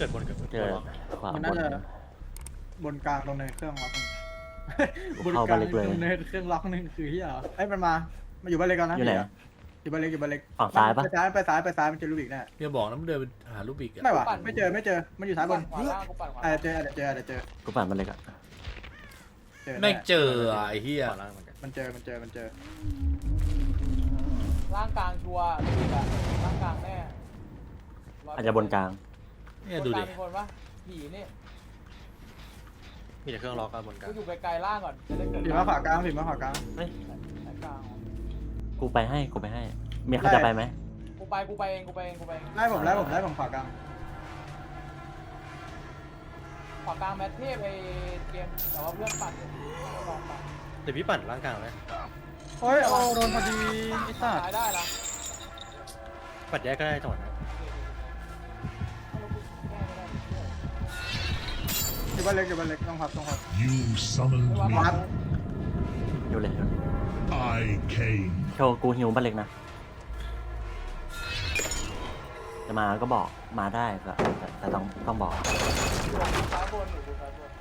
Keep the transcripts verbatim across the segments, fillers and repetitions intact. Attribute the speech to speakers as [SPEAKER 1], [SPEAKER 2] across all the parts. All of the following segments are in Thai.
[SPEAKER 1] กิดบนเกิดบน
[SPEAKER 2] เจอขวา
[SPEAKER 3] มัน
[SPEAKER 2] บ
[SPEAKER 3] น่าน จะบนกลางตรงในเครื่องล็อกนึงบน
[SPEAKER 2] เข้าก บ้า
[SPEAKER 3] ลาน ง
[SPEAKER 2] เล็กเลย
[SPEAKER 3] ตรงในเครื่องล็อกนึงคือที่เหรอไอ้ยมันมามาอยู่บ้านเล็กกันนะ
[SPEAKER 2] อยู่ไหน
[SPEAKER 3] อยู่บ้านเล็กอยู่บ้านเล็ก
[SPEAKER 2] ฝั่งซ้ายปะ
[SPEAKER 3] ไปซ้ายไปซ้ายไปซ้ายมันเจอลูบิกแน่
[SPEAKER 4] อย่าบอกนะมันเดินไปหาลูกบิกอะ
[SPEAKER 3] ไม่ว่ะไม่เจอไม่เจอมันอยู่ซ้ายบน
[SPEAKER 5] ขวาล่างกูปั่นขวา
[SPEAKER 3] อาจจะเจออาจจะเจออาจจะเจอ
[SPEAKER 2] กูปั่นมันเลยอะ
[SPEAKER 3] เจอแน่
[SPEAKER 4] ไม่เจอไอ้เหี้ย
[SPEAKER 1] ขวาล่างเหมือนกัน
[SPEAKER 3] มันเจอมันเจอมันเจอ
[SPEAKER 5] ล่างกลางชัวร์ลูบิกอะล่างกลางแน่
[SPEAKER 2] อาจจะบนกลาง
[SPEAKER 4] เนี่ยดูดิ
[SPEAKER 5] บนกลางมีคนปะผีนี่
[SPEAKER 1] มีแต่เครื่องล็อกกันบนกลา
[SPEAKER 5] กู
[SPEAKER 1] ง
[SPEAKER 5] อยู่ไกลๆล่างก่อนจะได้เกิด
[SPEAKER 3] ผีมาขวากลางผีมาขวากลาง
[SPEAKER 2] เฮ้ย
[SPEAKER 5] สายกลาง
[SPEAKER 2] กูไปให้กูไปให้เมียเขาจะไปไหม
[SPEAKER 5] กูไปกูไปเองกูไปเองกูไปเอง
[SPEAKER 3] ไล่ผมไล่ผมไล่ผมขวากลาง
[SPEAKER 5] ขวากลางแมทเทพไอเกมแต่ว่าเพื่อนปั่นอยู่ลองปั่น
[SPEAKER 1] เดี๋ยวพี่ปั่นล่างกลางเลย
[SPEAKER 3] โอ้ยโอ้โดนพอดีไอ้สัตว์
[SPEAKER 5] ตายได้นะ
[SPEAKER 1] ปัดแยกก็ได้จังหวะนั้น
[SPEAKER 3] อยู่บ้านเล็กอยู่บ้านเล็กต้องพับต้องพับ
[SPEAKER 6] You summoned
[SPEAKER 5] ไม่ว่า
[SPEAKER 6] me.
[SPEAKER 5] ปั่น
[SPEAKER 2] อยู่เลย
[SPEAKER 6] I came.
[SPEAKER 2] โชว์กูหิวบ้านเล็กนะจะมาก็บอกมาได้แต่แต่แต่ต้องต้องบอก
[SPEAKER 5] อยู่ซ้ายบนอยู่ดูซ้ายบน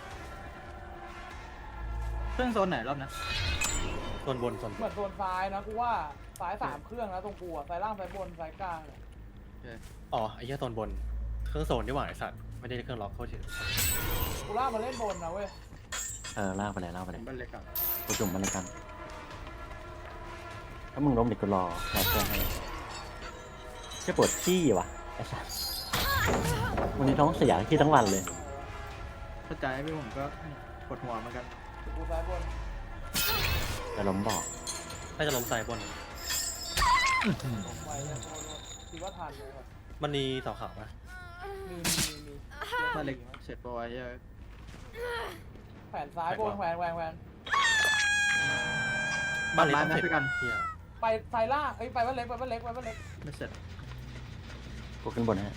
[SPEAKER 3] เครื่องโซนไหนรอบนะ
[SPEAKER 1] โซนบนโซนบ
[SPEAKER 5] เหมือน นโซนซ้ายนะกูว่าซ้ายสามเครื่องนะตรงกูอะซ้ายล่างซ้ายบนซ้ายกลางเนี่ย
[SPEAKER 1] อ๋อไอ้เหี้ยโซนบนเครื่องโซนดีกว่าไอ้สัตว์ไม่ได้เครื่องล็อกโคตรเฉย
[SPEAKER 5] กูล่ากมาเล่นบนนะเว้ย
[SPEAKER 2] เออลากไปเลยลากไปเลย
[SPEAKER 3] บ้านเล็กก่อน
[SPEAKER 2] กูจุ่มมันเลยกันถ้ามึงล้มเด็กกูรอแค่เพื่อนให้จะปวดขี้ว่ะไอ้สัสวันนี้ท้องเสียขี้ทั้งวันเลย
[SPEAKER 3] เข้าใจพี่ผมก็ปวดหัวเหมือนกัน
[SPEAKER 5] กูซ้ายบน
[SPEAKER 2] แต่ล้มบอก
[SPEAKER 1] น่าจะล้มใส่บน
[SPEAKER 5] ลงไปเนี่ยโทษโทษคิดว่าทันเลยครับ
[SPEAKER 1] มันมีเสาขาวปะ
[SPEAKER 5] มีมีมีมี
[SPEAKER 3] บ้านเล็กเสร็จปะวะเหี้ย
[SPEAKER 5] แขวนซ้ายบนแขวนแขวนแขวน
[SPEAKER 1] บ้านเล็ก
[SPEAKER 3] ไม้
[SPEAKER 1] ต้อง
[SPEAKER 3] ไหม
[SPEAKER 1] เสร็จ
[SPEAKER 3] พี่กัน
[SPEAKER 1] เหี้ย
[SPEAKER 5] ไปซ้ายล่างเอ้ยไปบ้านเล็กไปบ้านเล็กไปบ้านเล็ก
[SPEAKER 3] ไม่เสร็จ
[SPEAKER 2] กูขึ้นบนให้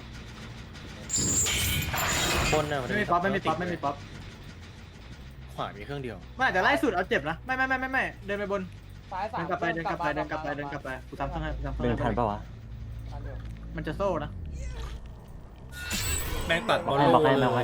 [SPEAKER 1] บนน่ะน
[SPEAKER 3] ไม่มีป๊อปไม่มีป๊อปไม่มีป๊อป
[SPEAKER 1] ขวามีเครื่องเดียว
[SPEAKER 3] ไม่แต่ไล่สุดเอาเจ็บนะไม่ไม่ไม่ไม่ไม่เดินไปบน
[SPEAKER 5] ซ้ายสา
[SPEAKER 3] เดิ
[SPEAKER 5] ม
[SPEAKER 3] นกลับไปเดินกลับไปเดินกลับไปเดินกลับไปกูทำต้องให้กูทำต้อง
[SPEAKER 2] เดินทัน
[SPEAKER 3] ให้
[SPEAKER 2] ปะวะ
[SPEAKER 5] ทันเดียว
[SPEAKER 3] มันจะโซ่นะ
[SPEAKER 4] แม่งตัดบอล
[SPEAKER 2] ให้บอกให้มาไว้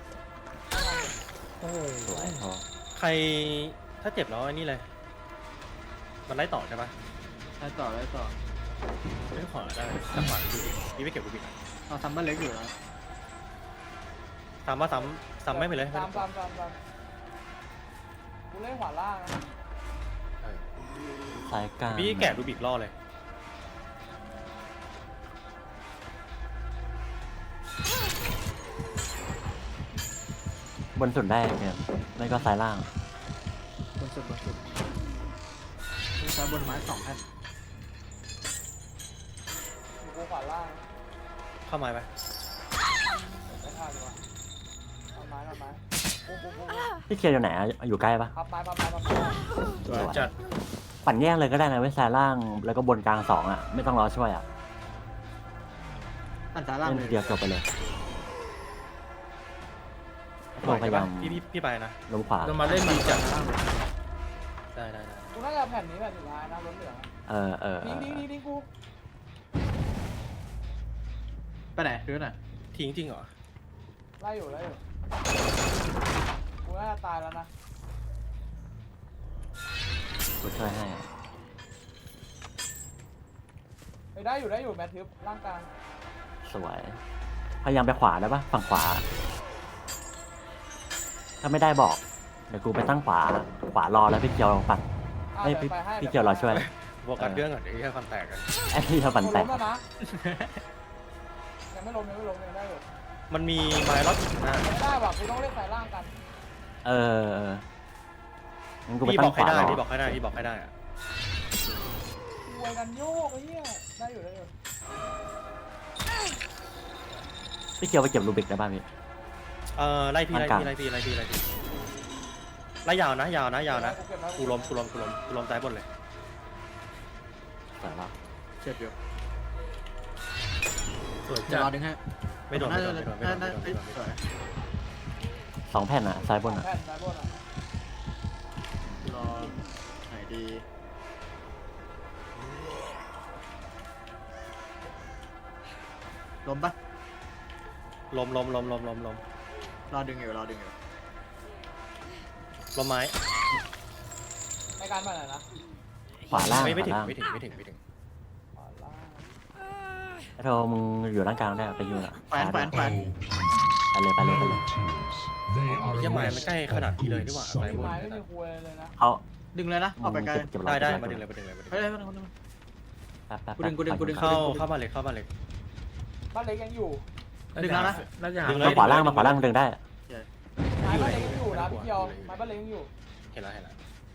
[SPEAKER 4] โอ้โห
[SPEAKER 2] สวยพอ
[SPEAKER 1] ใครถ้าเจ็บแล้วไอ้นี่เลย มันไล่ต่อใช่ปะ
[SPEAKER 3] ไล่ต่อไล่ต่อ
[SPEAKER 1] ไม่ขวาได้จังหวะดูดิพี่ไม่เก็บดูบิกอะ
[SPEAKER 3] เราทำบ้านเล็กอยู่นะ
[SPEAKER 1] ซ้ำว่าซ้ำซ้ำไม่ไปเลย
[SPEAKER 5] ตามตามตามตามกูเล่นขวาล่างนะ
[SPEAKER 1] เออ
[SPEAKER 2] สายกลาง
[SPEAKER 1] พี่แกะดูบิกล่อเลย
[SPEAKER 2] บนสุดได้เนี่ยไม่ก็สายล่าง
[SPEAKER 3] บนสุดบนสุดมีซ้ายบนไม้สองแผ่น
[SPEAKER 5] อยู่กูขวาล่าง
[SPEAKER 1] เข้าไม้ไป
[SPEAKER 5] ไม่ทันดีกว่าทำไม้ทำไม้ปุ๊บปุ๊บปุ๊บ
[SPEAKER 2] พี่เคียวอยู่ไหนอะอยู่ใกล้ปะ
[SPEAKER 5] พับไม้พับไม้พับไม้
[SPEAKER 2] สวย
[SPEAKER 4] จัด
[SPEAKER 2] ปั่นแยกเลยก็ได้นะเว้ยสายล่างแล้วก็บนกลางสองอ่ะไม่ต้องรอช่วยอ่ะ
[SPEAKER 3] อันซ้ายล่าง
[SPEAKER 2] เล่น
[SPEAKER 3] เล
[SPEAKER 2] ที
[SPEAKER 3] ย
[SPEAKER 2] เดียวจบไปเลย
[SPEAKER 1] ไหว
[SPEAKER 2] พยา
[SPEAKER 1] ใช่ปะ
[SPEAKER 2] ยาม
[SPEAKER 1] พี่พี่พี่ไปนะ
[SPEAKER 2] ล้มขวา
[SPEAKER 4] จะมาเล่นดีจัด
[SPEAKER 1] ได้ได้ได้
[SPEAKER 5] กูน่าจะแผ่นนี้แผ่นสุดท้ายนะล้นเหลือง
[SPEAKER 2] เออเออเอ
[SPEAKER 5] ดิ้ง
[SPEAKER 2] อ
[SPEAKER 5] ดิ้งดิ้งดิ้งกู
[SPEAKER 3] ไปไหนคือไหน
[SPEAKER 1] ทิ้งจริงเหรอ
[SPEAKER 5] ไล่อยู่ไล่อยู่กูน่าจะตายแล้วนะ
[SPEAKER 2] กูช่วยให้อะ
[SPEAKER 5] ไปได้อยู่ได้อยู่แมททิปร่างกลาง
[SPEAKER 2] สวยพยายามไปขวาได้ปะฝั่งขวา ถ้าไม่ได้บอกเดี๋ยวกูไปตั้งขวาขวารอแล้วพี่เกียวปั่น
[SPEAKER 5] อ่ะ
[SPEAKER 2] เฮ้ย
[SPEAKER 5] เดี๋ยว
[SPEAKER 2] พี่
[SPEAKER 5] ไปให้
[SPEAKER 2] พี่เกียวรอช่วย
[SPEAKER 1] บวกกันเครื่องก่อนเดี๋ยวแค่ฟันแตกกัน
[SPEAKER 2] ไอ้ที่ทำปั่น
[SPEAKER 5] กู
[SPEAKER 2] แต
[SPEAKER 5] ล้
[SPEAKER 2] ก
[SPEAKER 5] มแล้วนะยังไม่ล้มยังไม่ล้มยังได้อยู่
[SPEAKER 1] มันมีไม้ล็อกอยู่ข้างหน้า
[SPEAKER 5] ไม่ได้ว่ะกูต้องเล่นสายล่างกัน
[SPEAKER 2] เออเอองั้นกูไป
[SPEAKER 1] พี่บ
[SPEAKER 2] ตั้
[SPEAKER 1] อง ก
[SPEAKER 2] ข
[SPEAKER 1] ให้
[SPEAKER 2] วา
[SPEAKER 1] ได้
[SPEAKER 2] รอ
[SPEAKER 1] พี่บอกให้ได้พี่บอกให้ได้อะ
[SPEAKER 5] รวยกันโยกไอ้เหี้ยได้อยู่ได้อยู่
[SPEAKER 2] พี่เกียวไปเก็บรูบิกได้ป่ะพี่
[SPEAKER 1] เออไล่พี่ไล่
[SPEAKER 2] กลาง
[SPEAKER 1] พี่ไล่พี่ไล่พี่ไล่พี่ไล่ยาวนะยาวนะยาวนะ
[SPEAKER 5] กูเก็บไว้
[SPEAKER 1] กูล้มกูล้มกูล้มกูล้มซ้ายบนเลย
[SPEAKER 2] สวยแล้ว
[SPEAKER 3] เจ็บอยู่
[SPEAKER 4] สวย
[SPEAKER 3] เดี๋ย
[SPEAKER 4] จั
[SPEAKER 3] วรอ
[SPEAKER 4] ด
[SPEAKER 3] ดึงให้
[SPEAKER 1] ไม่โดนไม่โดนไม่โดนไม่โดนไม่โดน
[SPEAKER 3] น่า
[SPEAKER 1] ไม่โดน
[SPEAKER 3] สวย
[SPEAKER 2] สองแผ่นอ่ะซ้ายบนอ่ะ
[SPEAKER 5] แผ่นสายบนอ่ะ
[SPEAKER 3] รอไหนดีล้มปะ
[SPEAKER 1] ลมลมลมลมลมลม
[SPEAKER 3] รอดึงอยู่รอดึงอยู่
[SPEAKER 1] ลมไม้
[SPEAKER 5] ในการมาไหนนะ
[SPEAKER 2] ขวาล่าง
[SPEAKER 1] ไม่ไม่
[SPEAKER 2] ข
[SPEAKER 1] ถึง
[SPEAKER 2] วาล่าง
[SPEAKER 1] ไม่ถึงไม่ถึงไม่ถึง
[SPEAKER 5] ขวาล่าง
[SPEAKER 2] ไอ้โทมึงอยู่ร่างกลางได้ไปอยู่ละ
[SPEAKER 3] แขวนแขวนแขวน
[SPEAKER 6] Oh,
[SPEAKER 2] ไปเลยไปเลยไป
[SPEAKER 6] no
[SPEAKER 2] เลย
[SPEAKER 6] tears. They are
[SPEAKER 1] ยังไง
[SPEAKER 6] a
[SPEAKER 1] มัน
[SPEAKER 6] waste
[SPEAKER 1] ใกล้ขนาด
[SPEAKER 6] of
[SPEAKER 1] นี้เลย
[SPEAKER 6] good
[SPEAKER 1] ดีกว่า
[SPEAKER 5] มี
[SPEAKER 6] suffering.
[SPEAKER 5] ไม้ไม่มีคุยเลยนะ
[SPEAKER 2] เขา
[SPEAKER 3] ดึงเลยนะออกไปไกล
[SPEAKER 2] เก็บเก็บรอ
[SPEAKER 1] ได้ได้
[SPEAKER 2] เก็บรอ
[SPEAKER 1] มาดึงเลยมาดึงเลยมาดึง
[SPEAKER 3] เฮ้ย
[SPEAKER 1] เลย
[SPEAKER 3] เฮ้ยเฮ้ยเฮ้ย
[SPEAKER 2] แป๊บแป๊บ
[SPEAKER 3] กูดึงกูดึงกูดึง
[SPEAKER 1] เข้าเข้ามาเลยเข้ามาเลย
[SPEAKER 5] บ้านเล็กยังอยู่
[SPEAKER 3] ดึงแล้วนะ
[SPEAKER 4] น่าจะหา
[SPEAKER 1] ดึงเล
[SPEAKER 2] มาย ขวาล่างมาขวาล่างดึงได้
[SPEAKER 5] ไม้บ้านเล็กยังอยู่นะพี่เกียวไม้บ้านเล็กยังอยู่
[SPEAKER 1] เห็นแล้วเห็นแล้ว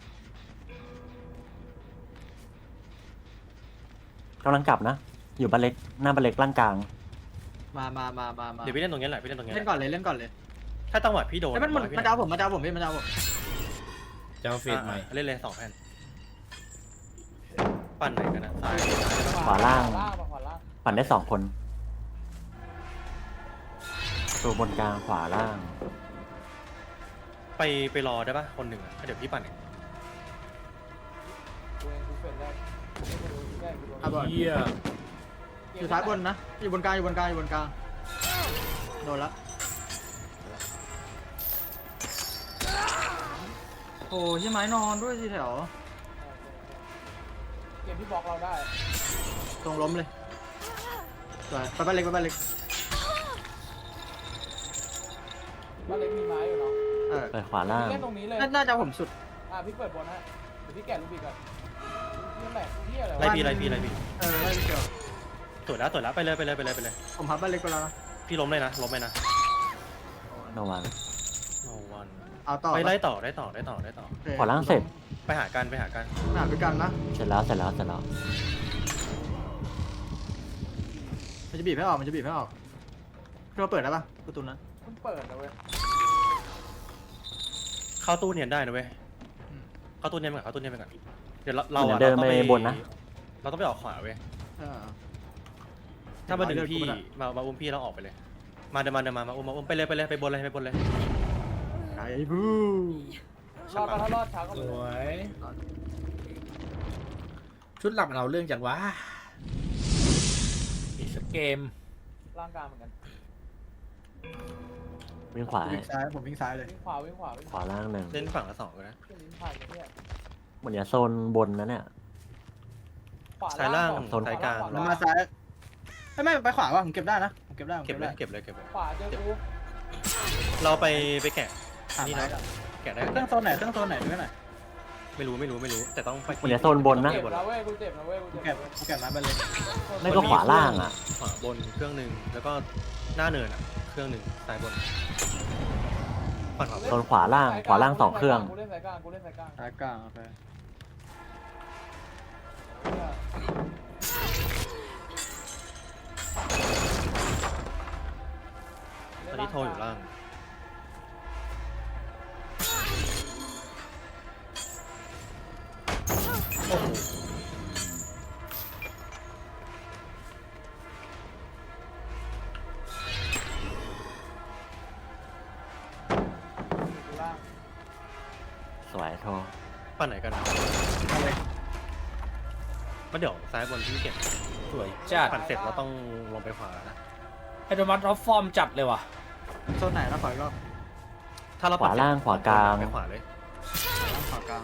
[SPEAKER 2] กำลังกลับนะ อยู่บันเล็กหน้าบันเล็กร่างกลาง
[SPEAKER 3] มามามามามา
[SPEAKER 1] เดี๋ยวพี่เล่นตรงนี้แหละพี่เล่นตรงนี้แห
[SPEAKER 3] เล่น
[SPEAKER 1] ละ
[SPEAKER 3] ก่อนเลยเล่นก่อนเลย
[SPEAKER 1] ถ้าจังหวะพี่โดน
[SPEAKER 3] ไอ้ยมันมัน
[SPEAKER 1] พี่
[SPEAKER 3] มันจะเอาผมมันจะเอาผมพี่มันจะเอาผม
[SPEAKER 4] จะเอาเฟสใหม่
[SPEAKER 1] อ่ะเล่นเลยสองแผ่นปั่นไหนกันนะซ้าย
[SPEAKER 2] ขวาล่าง
[SPEAKER 5] ขวาล่างขวาล่าง
[SPEAKER 2] ปั่นได้สองคนตัวบนกลางขวาล่าง
[SPEAKER 1] ไปไปรอได้ปะคนหนึ่งอ่ะเดี๋ยวพี่ปั่นเอง
[SPEAKER 5] กูเองกูเฟดได้กูดูได้กูดู
[SPEAKER 3] อ่ะบอล
[SPEAKER 4] เหี้ย
[SPEAKER 3] อยู่ซ้ายบนนะอยู่บนกลางอยู่บนกลางอยู่บนกลางโดนละโอ้ยยังไม้นอนด้วยสิแถว
[SPEAKER 5] เกมที่บล็อกเราได้
[SPEAKER 3] ตรงล้มเลยสวยไปบ้านเล็กไปบ้านเล็ก
[SPEAKER 5] บ้านเล็กมีไม้อยู่เนาะ
[SPEAKER 3] เออ
[SPEAKER 2] ไปขวาล่าง
[SPEAKER 5] เล่นตรงนี้เลย
[SPEAKER 3] น่าน่าจะเอาผมสุด
[SPEAKER 5] อ่ะพี่เปิดบนฮะเดี๋ยวพี่แกะลูกบิกก่อนนี่แหละนี่อะไร
[SPEAKER 1] ไล่
[SPEAKER 5] วะ
[SPEAKER 1] พี่ไล่พี่ไล่พี่
[SPEAKER 3] เออได้พี่เกียว
[SPEAKER 1] สวยแล้วสวยแล้วไปเลยไปเลยไปเลยไปเลย
[SPEAKER 3] ผมพับบ้านเล็กไปแล้วนะ
[SPEAKER 1] พี่ล้มเลยนะล้มเลยนะ
[SPEAKER 2] โนวัน
[SPEAKER 1] โนวัน
[SPEAKER 3] เอาต่อ
[SPEAKER 1] ไปไล่ต่อได้ต่อได้ต่อได้ต่อ
[SPEAKER 3] โอเค
[SPEAKER 2] ขวาล่างเสร็จ
[SPEAKER 1] ไปหากันไปหากัน
[SPEAKER 3] หาไปกันนะ
[SPEAKER 2] เสร็จแล้วเสร็จแล้วเสร็จแล้ว
[SPEAKER 3] มันจะบีบให้ออกมันจะบีบให้ออกเราเปิดได้ปะประตูนั้น
[SPEAKER 5] เพิ่งเปิดนะเว้ย
[SPEAKER 1] เข้าตู้เนียนได้นะเว้ย
[SPEAKER 3] อืม
[SPEAKER 1] เข้าตู้เนียนไปก่อนเข้าตู้เนียนไปก่อนเดี๋ยวเราเรา
[SPEAKER 2] เหมือ
[SPEAKER 1] อะ
[SPEAKER 2] นเดิน
[SPEAKER 1] เรา
[SPEAKER 2] ไป
[SPEAKER 1] ต้อง
[SPEAKER 2] บนนะ
[SPEAKER 1] เราต้องไปออกขวาเว้ย
[SPEAKER 3] เออ
[SPEAKER 1] ถ้ามาดึง
[SPEAKER 3] เลือดกู
[SPEAKER 1] พี่
[SPEAKER 3] ไม่ได้
[SPEAKER 1] มามาอุ้มพี่เราออกไปเลย มาเดินมาเดินมามาอุ้มมาอุ้มไปเลยไปเลยไปบนเลยไปบนเลย
[SPEAKER 3] ไก่บู
[SPEAKER 5] รอดปะถ้ารอดช้าก็
[SPEAKER 4] ส
[SPEAKER 5] เลย
[SPEAKER 4] วยชุดหลับมันเอาเรื่องจังวะอีกสักเกม
[SPEAKER 5] ร่างกายเหมือนกัน
[SPEAKER 2] วิ่งขวา
[SPEAKER 3] วิ่งซ้ายผมวิ่งซ้ายเลย
[SPEAKER 5] วิ่งขวาวิ่งขวาวิ่ง
[SPEAKER 2] ขวาล่างหนึ่ง
[SPEAKER 1] เล่นฝั่งละสองเลยนะ
[SPEAKER 5] ขึ้นลิ้นผ่านเนี่ย
[SPEAKER 2] เหมือนจะโซนบนนะเนี่ย
[SPEAKER 5] ขวา
[SPEAKER 1] ซ้ายล่าง
[SPEAKER 5] ก่อน
[SPEAKER 1] โซนซ้ายกลาง
[SPEAKER 5] ขว
[SPEAKER 3] มันมาซ้ายไม่ไม่ไปขวาว่ะผมเก็บได้นะผมเก็บได้ผม
[SPEAKER 1] เก็
[SPEAKER 3] เก็
[SPEAKER 1] บบ เล
[SPEAKER 3] ได้
[SPEAKER 1] ยเก็บเลยเก็บเลย
[SPEAKER 5] ขวาเจอกู
[SPEAKER 1] เราไปไปแกะ
[SPEAKER 3] ขา
[SPEAKER 1] นี่
[SPEAKER 3] ไม้
[SPEAKER 1] นะ
[SPEAKER 3] กัน
[SPEAKER 1] แกะได้
[SPEAKER 3] เครื่องโซนไหนเครื่องโซนไหนด้วยหน่อย
[SPEAKER 1] ไม่รู้ไม่รู้ไม่รู้แต่ต้องไป
[SPEAKER 2] เหมือนจะโซนบนนะ
[SPEAKER 5] เจ็บนะเว้ยกูเจ็บนะเว้ยกู
[SPEAKER 3] ผม
[SPEAKER 5] เจ็บ
[SPEAKER 3] เก็บผมเก็บไม้ไปเลย
[SPEAKER 2] ไม่ก็ขวาล่างอ่ะ
[SPEAKER 1] ขวาบนเครื่องหนึ่งแล้วก็หน้าเนินอ่ะเครื่องหนึ่งซ้ายบนฝั่งขวาบ
[SPEAKER 2] โซ
[SPEAKER 1] น
[SPEAKER 2] นขวาล่างขวาล่างสองเครื่อง
[SPEAKER 5] กูเล่นสายกลางกูเล่นสายกลาง
[SPEAKER 3] ซ้ายกลางโอเค
[SPEAKER 1] ตอนนี้โทรอยู่ล่างโอ้โห
[SPEAKER 5] กูล่าง
[SPEAKER 2] สวยโท
[SPEAKER 1] ปั่นไหนกันนะ
[SPEAKER 3] มาเลย
[SPEAKER 1] มาเดี๋ยวซ้ายบนที่เก็บ
[SPEAKER 4] สวยจัด
[SPEAKER 1] ปั่นเสร็จเราต้องลงไปขวาแล้วนะ
[SPEAKER 4] ไอโดมัสท็อปฟอร์มจัดเลยว่ะ
[SPEAKER 3] โซนไหนนะขออีกรอบ
[SPEAKER 1] ถ้าเรา
[SPEAKER 2] ขวาล่างขวากลาง
[SPEAKER 1] ไปขวาเลย
[SPEAKER 3] ขวากลาง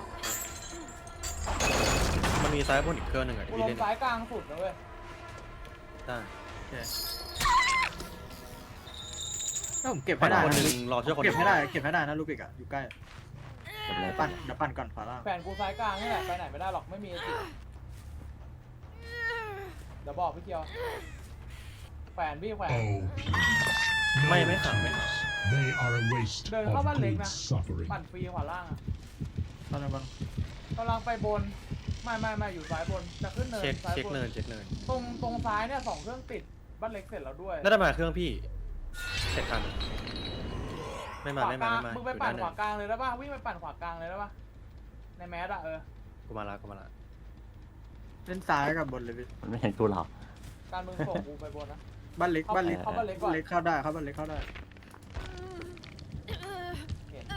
[SPEAKER 1] มันมีซ้ายบนอีกเครื่องหนึ่งอ่ะ
[SPEAKER 5] กู
[SPEAKER 1] ที่
[SPEAKER 5] ล
[SPEAKER 1] พี่
[SPEAKER 5] ง
[SPEAKER 1] เล่น
[SPEAKER 5] สายกลางสุดนะเว้ย
[SPEAKER 1] ได้
[SPEAKER 3] ถ้าผมเก็บให้ได้
[SPEAKER 1] คน
[SPEAKER 3] นะ
[SPEAKER 1] หนึ่งรอช่วยคนห
[SPEAKER 3] เก็
[SPEAKER 1] นึ่
[SPEAKER 3] บ
[SPEAKER 1] ง
[SPEAKER 3] ให้ได้เก็บให้ได้นะลูกอีกอะอยู่ใกล้
[SPEAKER 2] เก็บเลย
[SPEAKER 3] ปั่นเดี๋ยวปั่นก่อนขวาล่าง
[SPEAKER 5] แฟนกูสายกลางนี่แหละไปไหนไม่ได้หรอกไม่มีสิเดี๋ยวบอกพี่เกียวแขวนพี่แขวน
[SPEAKER 6] Oh, peace. No
[SPEAKER 1] ไม่ไม่ขังไม่ขัง
[SPEAKER 6] tears. They are a waste
[SPEAKER 5] Đừng
[SPEAKER 6] of
[SPEAKER 5] có bắt lịch
[SPEAKER 6] good
[SPEAKER 5] nè.
[SPEAKER 6] suffering.
[SPEAKER 5] ปั่นฟรีขวาล่างอะ
[SPEAKER 3] ตอนนั้นมัน
[SPEAKER 5] กำลังไปบนไม่ไม่ไม่อยู่ซ้ายบนจะขึ้นเนิน
[SPEAKER 1] เช็ค
[SPEAKER 5] ซ้าย
[SPEAKER 1] เช็ค
[SPEAKER 5] บน
[SPEAKER 1] เนินเช็คเนิน
[SPEAKER 5] ตรงตรงซ้ายเนี่ยสองเครื่องติดบ้านเล็กเสร็จแล้วด้วย
[SPEAKER 1] น่าจะมาเครื่องพี่เสร็จทันไม่
[SPEAKER 5] ข
[SPEAKER 1] มาว
[SPEAKER 5] า
[SPEAKER 1] ไม่
[SPEAKER 5] ก
[SPEAKER 1] มา
[SPEAKER 5] ลาง
[SPEAKER 1] ไม่มา
[SPEAKER 5] มึงไป
[SPEAKER 1] อยู่
[SPEAKER 5] ปั่น
[SPEAKER 1] ด้านห
[SPEAKER 5] ข
[SPEAKER 1] นึ่
[SPEAKER 5] วาง กลางเลยได้ป่ะวิ่งไปปั่นขวากลางเลยได้ป่ะในแมสอะเออ
[SPEAKER 1] กูมาละกูมาละ
[SPEAKER 3] เล่นซ้ายกับบนเลยพี่
[SPEAKER 2] มันไม่เห็นกูหรอก
[SPEAKER 5] การมึงส่งกูไปบนนะ
[SPEAKER 3] บ้านเล็กบ้านเล็ก
[SPEAKER 5] เข้าบ้านเล็กก่อน
[SPEAKER 3] เล็กเข้าได้เข้าบ้านเล็กเข้าได้
[SPEAKER 5] เห็น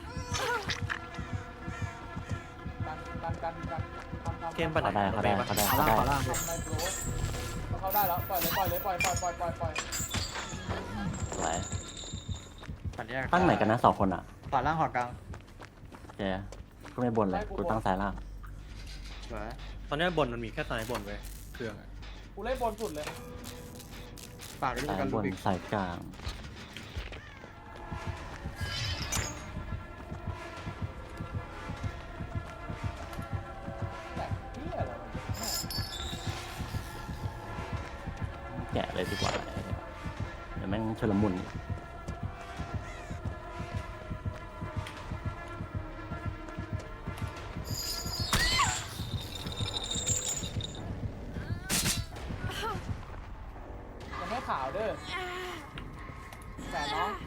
[SPEAKER 5] การการการการทำทำ
[SPEAKER 1] เกมปั่น
[SPEAKER 2] เขาได้เขาได้เขาได้
[SPEAKER 3] ขวา
[SPEAKER 2] เขา
[SPEAKER 3] ล่าง
[SPEAKER 2] ได้
[SPEAKER 3] ขวาล่าง
[SPEAKER 5] ทำในโปรเข้าได้แล้วปล่อยเลยปล่อยเลยปล่อยปล่อยปล่อยปล่อยปล่อย
[SPEAKER 2] สวย
[SPEAKER 3] ปั่นแยก
[SPEAKER 2] ตั้งไหนกันนะสองคนอ่ะ
[SPEAKER 3] ขวาล่างขวากลาง
[SPEAKER 2] โอเคกูไม่บนเลยกูตั้งซ้ายล่าง
[SPEAKER 3] สวย
[SPEAKER 1] ตอนเนี้ยบนมันมีแค่ซ้ายบนเว้ยเครื่องอะ
[SPEAKER 5] กูเล่นบนสุดเลย
[SPEAKER 3] ปากด้วย
[SPEAKER 2] ซ้าย
[SPEAKER 3] กัน
[SPEAKER 2] บ
[SPEAKER 3] ลู
[SPEAKER 2] น
[SPEAKER 3] บิก
[SPEAKER 2] สายกลาง
[SPEAKER 5] แต่เฮียอะไรวะ
[SPEAKER 2] แกะเลยดีกว่าเดี๋ยวแม่งชุลมุน
[SPEAKER 5] ยังไม่ขาวเด้อแต่น้อง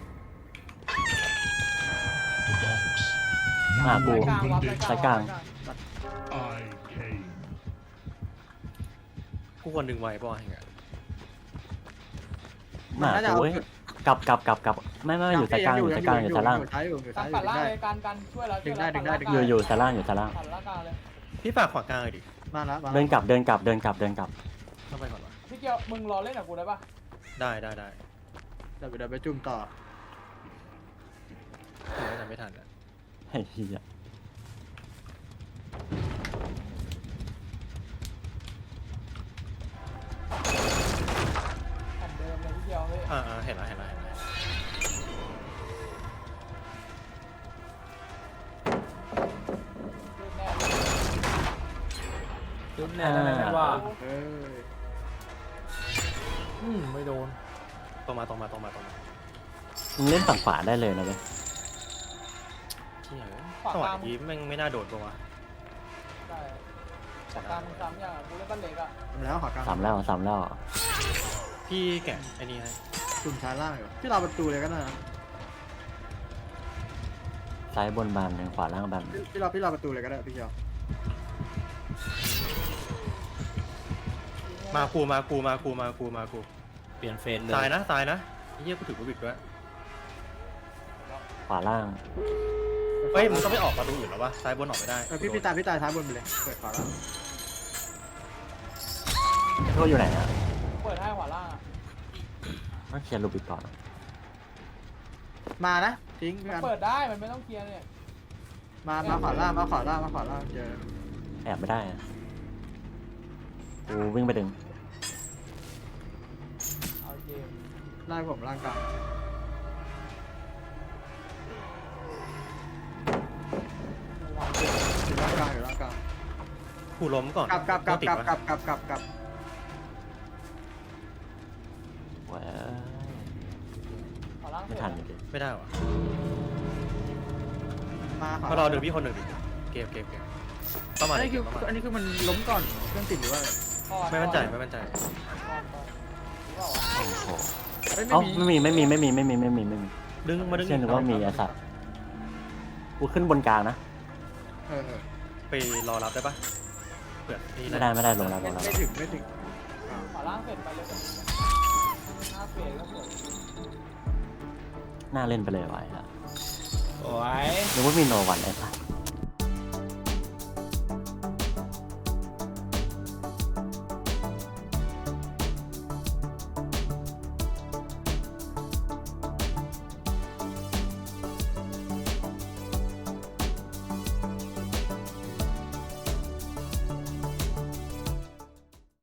[SPEAKER 6] The box.
[SPEAKER 2] อ่า
[SPEAKER 6] You
[SPEAKER 2] กู
[SPEAKER 5] กลางวับ
[SPEAKER 6] opened
[SPEAKER 2] สายกลาง
[SPEAKER 6] I came.
[SPEAKER 1] กูควรดึงไว้ป่ะอย่างเงี้ย
[SPEAKER 2] หมากูเว้ยกลับกลับกลับกลับไม่ไม่ไม่อยู่สายกลางอยู่สายกลางอยู่สายล่าง
[SPEAKER 3] อยู่ซ้ายอยู่อยู่
[SPEAKER 5] กา
[SPEAKER 3] ซ้าร ยอ
[SPEAKER 5] ปัด
[SPEAKER 3] ยู่
[SPEAKER 5] ล่าง
[SPEAKER 3] ได้
[SPEAKER 5] เลยการการช่วยแล้ว
[SPEAKER 3] ดึงได้ดึงได้ดึง
[SPEAKER 2] อยู่อยู่สายล่างอยู่สายล่าง
[SPEAKER 5] ปัดล่างกลางเลย
[SPEAKER 1] พี่ฝากขวากลางเลยดิ
[SPEAKER 3] มาแล้วมา
[SPEAKER 2] เดินกลับเดินกลับเดินกลับเดินกลับ
[SPEAKER 1] เข้าไปก่อนวะ
[SPEAKER 5] พี่เกียวมึงรอเล่นกับกูได้ปะ
[SPEAKER 1] ได้ได้ได้
[SPEAKER 3] เดี๋ยวเดี๋ยวไปจุ่มต่อ
[SPEAKER 1] ถึงจะไม่ทันอะ
[SPEAKER 2] ไอ้เหี้ย
[SPEAKER 5] แผ่นเดิมเลยพี่เกียวพี่
[SPEAKER 1] อ่าอ่าเห็นแล้วเห็นแล้วเห็นแล้ว
[SPEAKER 5] ลื่นแน่เลย
[SPEAKER 4] ขึ้นแน่ได้ไหมว่า
[SPEAKER 3] เอ้ย
[SPEAKER 4] อืมไม่โดน
[SPEAKER 1] ตรงมาตรงมาตรงมาตรงมา
[SPEAKER 2] มึงเล่นฝั่งขวาได้เลยนะเว้ย
[SPEAKER 1] เที่ยสวัสดีแม่งไม่น่าโดดปะวะ
[SPEAKER 5] ได้ปากกามึงซ้ำอย่างกูเล่นบ้านเล็กอะ
[SPEAKER 3] ทำแล้วขวากลาง
[SPEAKER 2] สามแล้วสามแล้ว
[SPEAKER 1] พี่แกะไอ้นี่ให้
[SPEAKER 3] จุ่มซ้ายล่างอยู่ที่เราประตูเลยก็ได้นะ
[SPEAKER 2] ซ้ายบนบานหนึ่งขวาล่างบานหนึ่ง
[SPEAKER 3] ที่เราที่เราประตูเลยก็ได้พี่เกียว
[SPEAKER 1] มากูมากูมากูมากูมากู
[SPEAKER 4] เปลี่ยนเฟสเลย
[SPEAKER 1] ซ้ายนะซ้ายนะไอ้เหี้ยกูถือกูบิกด้วย
[SPEAKER 2] ขวาล่าง
[SPEAKER 1] เฮ้ยมึงต้องไม่ออกประตูอื่นแล้ววะซ้ายบนออกไม่ได้
[SPEAKER 3] เออพี่พี่ตายพี่ตายท้ายบนไปเลยเปิดขวาล่าง
[SPEAKER 2] โทษอยู่ไหนอ่ะ
[SPEAKER 5] เปิดให้ขวาล่างอะ
[SPEAKER 2] ต้องเคลียร์ลูบิกก่อน
[SPEAKER 3] มานะทิ้งพี่
[SPEAKER 5] มัน
[SPEAKER 3] อัน
[SPEAKER 5] เปิดได้มันไม่ต้องเคลียร์เนี่ย
[SPEAKER 3] มามาขวาล่างมาขวาล่างมาขวาล่างเจอ
[SPEAKER 2] แอบไม่ได้อะกูวิ่งไปดึง
[SPEAKER 5] เอาเกม
[SPEAKER 3] ไล่ผมล่างกลางอยู่ล่างกลางอยู่ล่างกลาง
[SPEAKER 1] กูล้มก่อน
[SPEAKER 3] กลับกลับกลับ
[SPEAKER 1] ติด
[SPEAKER 3] กลับ
[SPEAKER 1] วะ
[SPEAKER 3] กลับกลับกลับกลับ
[SPEAKER 2] เว้ย
[SPEAKER 5] ขวาล่าง
[SPEAKER 2] ไม่ทันอยู่ดิ
[SPEAKER 1] ไม่ได้วะ
[SPEAKER 3] มาขวา
[SPEAKER 1] มา
[SPEAKER 3] ล่าง
[SPEAKER 1] รอดึงพี่คนหนึ่งดิเกมเกมเกมเข้ามา
[SPEAKER 3] อัน
[SPEAKER 1] เลย
[SPEAKER 3] นี้คือ
[SPEAKER 1] เข้ามา
[SPEAKER 3] อันนี้คือมันล้มก่อนเครื่องติดหรือว่าอะไร
[SPEAKER 1] ไม่มั่นใจไม่มั่นใจ
[SPEAKER 2] โอ้โห
[SPEAKER 3] เอ้ย
[SPEAKER 2] เอ้า
[SPEAKER 3] ไม่มี
[SPEAKER 2] ไม่มีไม่มีไม่มีไม่มีไม่มีไม่มี
[SPEAKER 1] ดึงมาดึง
[SPEAKER 2] เชื่อนึกว่ามีไอ้สัตว์กูขึ้นบนกลางนะ
[SPEAKER 3] เออเออ
[SPEAKER 1] ไปรอรับได้ปะเผื่อนี่
[SPEAKER 2] ไม่ได้ไม่ได้ลงแล้วล
[SPEAKER 3] ไม่
[SPEAKER 2] งแล้ว
[SPEAKER 3] ไม่ถึงไม่ถึง
[SPEAKER 5] ขวาล่างเสร็จไปเลยหน้าเฟสก็สวย
[SPEAKER 2] น่าเล่นไปเลยไว้อะ
[SPEAKER 4] โอ้ย
[SPEAKER 2] นึกว่ามีโนวันไอ้สัตว์